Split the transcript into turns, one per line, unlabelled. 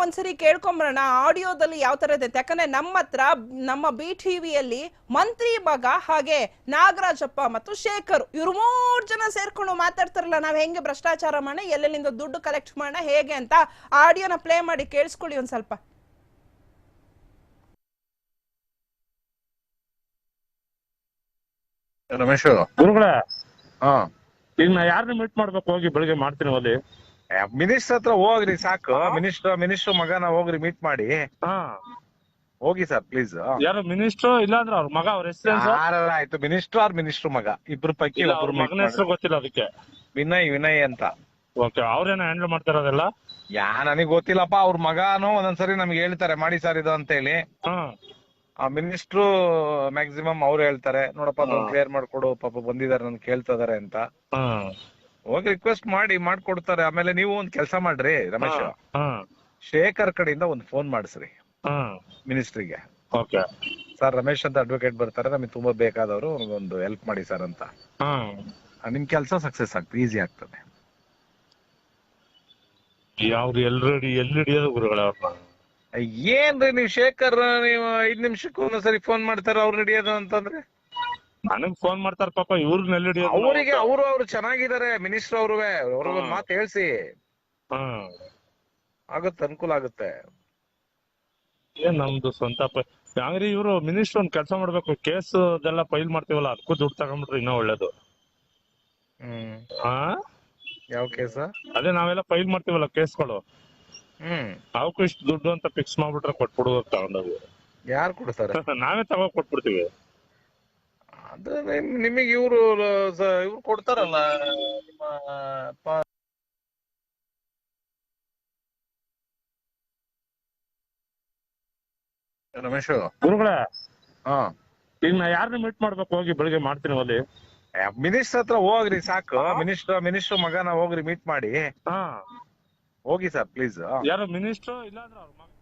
ಒಂದ್ಸರಿ ಕೇಳ್ಕೊಂಬರೋಣ ಆಡಿಯೋದಲ್ಲಿ ಯಾವ ತರ ಇದೆ. ಯಾಕಂದ್ರೆ ನಮ್ಮ ಹತ್ರ ನಮ್ಮ BTVಯಲ್ಲಿ ಮಂತ್ರಿ ಮಗ ಹಾಗೆ ನಾಗರಾಜಪ್ಪ ಮತ್ತು ಶೇಖರ್ ಇವ್ರು 3 ಜನ ಸೇರ್ಕೊಂಡು ಮಾತಾಡ್ತಾರಲ್ಲ, ನಾವ್ ಹೆಂಗೆ ಭ್ರಷ್ಟಾಚಾರ ಮಾಡೋಣ, ಎಲ್ಲೆಲ್ಲಿಂದ ದುಡ್ಡು ಕಲೆಕ್ಟ್ ಮಾಡೋಣ ಹೇಗೆ ಅಂತ ಆಡಿಯೋನ ಪ್ಲೇ ಮಾಡಿ ಕೇಳಿಸ್ಕೊಳ್ಳಿ ಒಂದ್ ಸ್ವಲ್ಪ.
ರಮೇಶ್
ಗುರುಗಳೇ,
ಈಗ
ನಾ ಯಾರನ್ನ ಮೀಟ್ ಮಾಡ್ಬೇಕು? ಹೋಗಿ ಬೆಳಿಗ್ಗೆ ಮಾಡ್ತೀನಿ ಅಲ್ಲಿ.
ಮಿನಿಸ್ಟರ್ ಹತ್ರ ಹೋಗ್ರಿ ಸಾಕು. ಮಿನಿಸ್ಟರ್ ಮಗನ ಹೋಗ್ರಿ ಮೀಟ್ ಮಾಡಿ. ಹೋಗಿ ಸರ್ ಪ್ಲೀಸ್.
ಯಾರು ಮಿನಿಸ್ಟರ್? ಇಲ್ಲ ಅಂದ್ರೆ ಅವ್ರ ಮಗ, ಅವ್ರ ಹೆಸರು
ಆಯ್ತು. ಮಿನಿಸ್ಟರ್ ಮಗ ಇಬ್ರು ಪೈಕಿ ಒಬ್ರು
ಮಗನ ಹೆಸರು ಗೊತ್ತಿಲ್ಲ ಅದಕ್ಕೆ.
ವಿನಯ್ ಅಂತ.
ಓಕೆ, ಅವ್ರೇನ ಹ್ಯಾಂಡಲ್ ಮಾಡ್ತಾರದೆಲ್ಲ?
ನನಗ್ ಗೊತ್ತಿಲ್ಲಪ್ಪ. ಅವ್ರ ಮಗನೂ ಒಂದೊಂದ್ಸರಿ ನಮ್ಗೆ ಹೇಳ್ತಾರೆ ಮಾಡಿ ಸರ್ ಇದು ಅಂತ ಹೇಳಿ. ಮಿನಿಸ್ಟ್ರು ಮ್ಯಾಕ್ಸಿಮಮ್ ಅವ್ರು ಹೇಳ್ತಾರೆ, ನೋಡಪ್ಪ ಕ್ಲಿಯರ್ ಮಾಡ್ಕೊಡು, ಪಾಪ ಬಂದಿದ್ದಾರೆ ನನ್ ಕೇಳ್ತಾ ಇದಾರೆ ಅಂತ. ಹೋಗಿ ರಿಕ್ವೆಸ್ಟ್ ಮಾಡ್ಕೊಡ್ತಾರೆ. ಆಮೇಲೆ ನೀವು ಒಂದ್ ಕೆಲಸ ಮಾಡ್ರಿ ರಮೇಶ್, ಶೇಖರ್ ಕಡೆಯಿಂದ ಒಂದ್ ಫೋನ್ ಮಾಡಿಸ್ರಿ ಮಿನಿಸ್ಟ್ರಿಗೆ. ಸರ್ ರಮೇಶ್ ಅಂತ ಅಡ್ವೊಕೇಟ್ ಬರ್ತಾರೆ, ನಮಗೆ ತುಂಬಾ ಬೇಕಾದವರು, ಒಂದು ಹೆಲ್ಪ್ ಮಾಡಿ ಸರ್ ಅಂತ. ನಿಮ್ ಕೆಲಸ ಸಕ್ಸಸ್ ಆಗ್ತದೆ, ಈಸಿ ಆಗ್ತದೆ.
ಯಾವ್ದು ಎಲ್ಲಿ ಹಿಡಿಯೋದು ಗುರುಗಳೇ ಅವ್ರನ್ನ?
ಏನ್ರಿ ನೀವು ಶೇಖರ್, ನೀವು 5 ನಿಮಿಷಕ್ಕೂ ಒಂದ್ಸರಿ ಫೋನ್ ಮಾಡ್ತಾರ ಅವ್ರು ಹಿಡಿಯೋದು ಅಂತಂದ್ರೆ?
ನನಗ್ ಫೋನ್ ಮಾಡ್ತಾರ ಪಾಪ, ಇವ್ರನ್ನ ಎಲ್ಲಿ ಹಿಡಿಯೋದು?
ಅವರಿಗೆ ಅವ್ರು ಚೆನ್ನಾಗಿದ್ದಾರೆ ಮಿನಿಸ್ಟರ್ ಅವ್ರಿಗೊಂದ್ ಮಾತು ಹೇಳ್ಸಿ. ಆಗುತ್ತೆ, ಅನುಕೂಲ ಆಗುತ್ತೆ.
ಏನ್ ನಮ್ದು ಸ್ವಂತ ಹಂಗ್ರಿ ಇವ್ರು ಮಿನಿಸ್ಟರ್ ಒಂದ್ ಕೆಲಸ ಮಾಡ್ಬೇಕು, ಕೇಸ್ ಅದೆಲ್ಲ ಫೈಲ್ ಮಾಡ್ತೀವಲ್ಲ ಅದಕ್ಕೂ ದುಡ್ಡು ತಗೊಂಡ್ಬಿಟ್ರೆ ಇನ್ನೂ ಒಳ್ಳೇದು.
ಯಾವ ಕೇಸ?
ಅದೇ ನಾವೆಲ್ಲ ಫೈಲ್ ಮಾಡ್ತೀವಲ್ಲ ಕೇಸ್ಗಳು, ಅವಕ್ಕೂ ಇಷ್ಟು ದುಡ್ಡು ಅಂತ ಫಿಕ್ಸ್ ಮಾಡ್ಬಿಟ್ರೆ ಕೊಟ್ಬಿಡುವ ತಗೊಂಡೋಗಿ.
ಯಾರು ಕೊಡ್ತಾರೆ?
ನಾವೇ ತಗೊಂಡ್ ಕೊಟ್ಬಿಡ್ತೀವಿ.
ಅದು ನಿಮಗೆ ಇವ್ರು ಕೊಡ್ತಾರಲ್ಲ ನಿಮ್ಮ ರಮೇಶ್.
ಗುರುಗಳೇ, ಈಗ ನಾ ಯಾರನ್ನ ಮೀಟ್ ಮಾಡ್ಬೇಕು? ಹೋಗಿ ಬೆಳಿಗ್ಗೆ ಮಾಡ್ತೀನಿ ಅಲ್ಲಿ.
ಮಿನಿಸ್ಟರ್ ಹತ್ರ ಹೋಗ್ರಿ ಸಾಕು. ಮಿನಿಸ್ಟರ್ ಮಗನ ಹೋಗ್ರಿ ಮೀಟ್ ಮಾಡಿ. ಹೋಗಿ ಸರ್ ಪ್ಲೀಸ್.
ಯಾರು ಮಿನಿಸ್ಟರ್? ಇಲ್ಲ ಅಂದ್ರೆ ಅವ್ರ ಮಗ